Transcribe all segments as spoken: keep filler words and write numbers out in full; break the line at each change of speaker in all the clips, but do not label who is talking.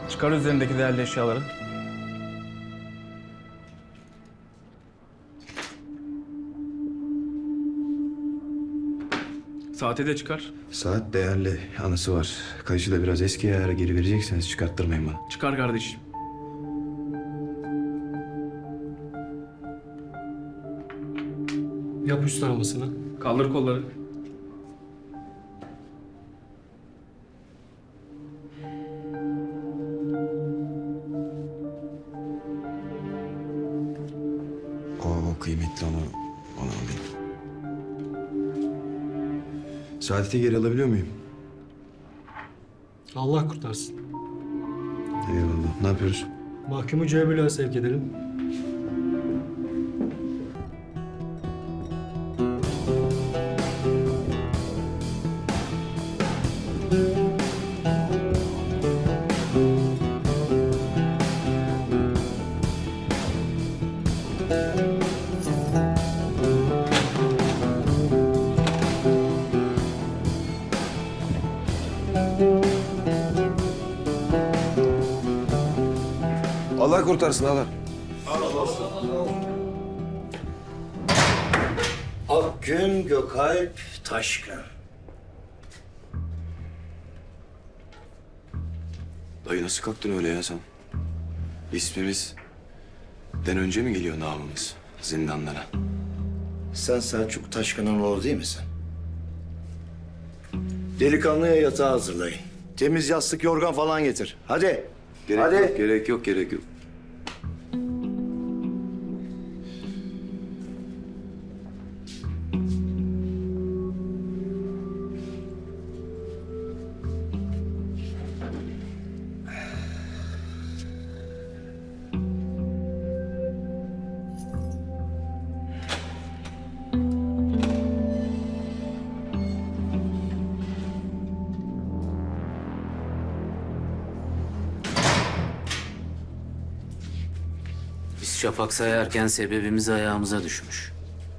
Çıkar üzerindeki değerli eşyaları. Saati de çıkar.
Saat değerli, anısı var. Kayışı da biraz eski, eğer geri verecekseniz çıkarttırmayın bana.
Çıkar kardeşim.
Yap üst aramasını.
Kaldır kolları.
O kıymetli, onu, onu alayım. Saadet'i geri alabiliyor muyum?
Allah kurtarsın.
Eyvallah. Ne yapıyoruz?
Mahkumu C bloğa sevk edelim.
Allah kurtarsın Allah.
Akgün Gökalp Taşkın.
Dayı nasıl kalktın öyle ya sen? İsmimiz den önce mi geliyor namımız zindanlara?
Sen Selçuk Taşkın'ın oğlu değil misin? Delikanlıya yatağı hazırlayın. Temiz yastık, yorgan falan getir. Hadi.
Gerek
Hadi.
yok, gerek yok, gerek yok.
Biz şafak sayarken sebebimiz ayağımıza düşmüş.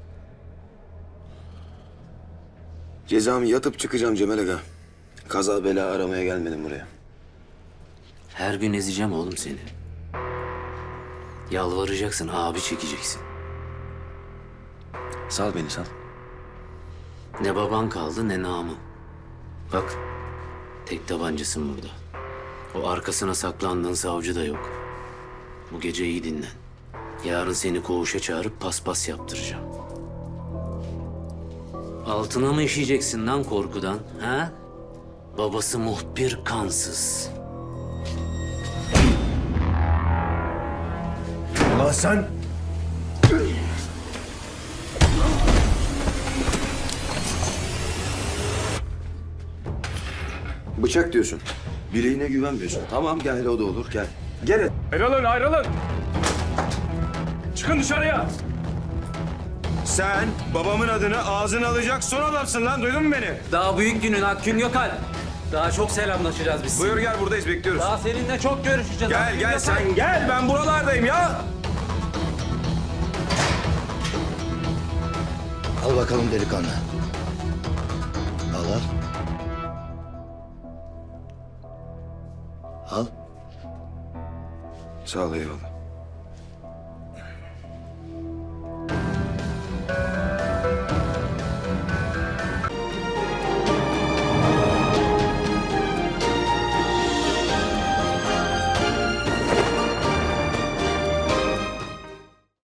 Cezamı yatıp çıkacağım Cemal Aga. Kaza bela aramaya gelmedim buraya.
Her gün ezeceğim oğlum seni. Yalvaracaksın, abi çekeceksin.
Sal beni, sal.
Ne baban kaldı ne namı. Bak, tek tabancasın burada. O arkasına saklandığın savcı da yok. Bu gece iyi dinlen. Yarın seni koğuşa çağırıp paspas yaptıracağım. Altına mı işeyeceksin lan korkudan, ha? Babası muhbir kansız.
Ulan sen...
Bıçak diyorsun. Bileğine güvenmiyorsun. Tamam gel, o da olur, gel. Gel.
Ayrılın, ayrılın. Çıkın dışarıya.
Sen babamın adını ağzına alacak son adamsın lan, duydun mu beni?
Daha büyük günün Akgün Gökalp. Daha çok selamlaşacağız biz.
Buyur gel, buradayız, bekliyoruz.
Daha seninle çok görüşeceğiz.
Gel
Akgün
gel
Gökalp.
sen gel, ben buralardayım ya.
Al bakalım delikanlı. Al al. Al.
Sağ ol, eyvallah.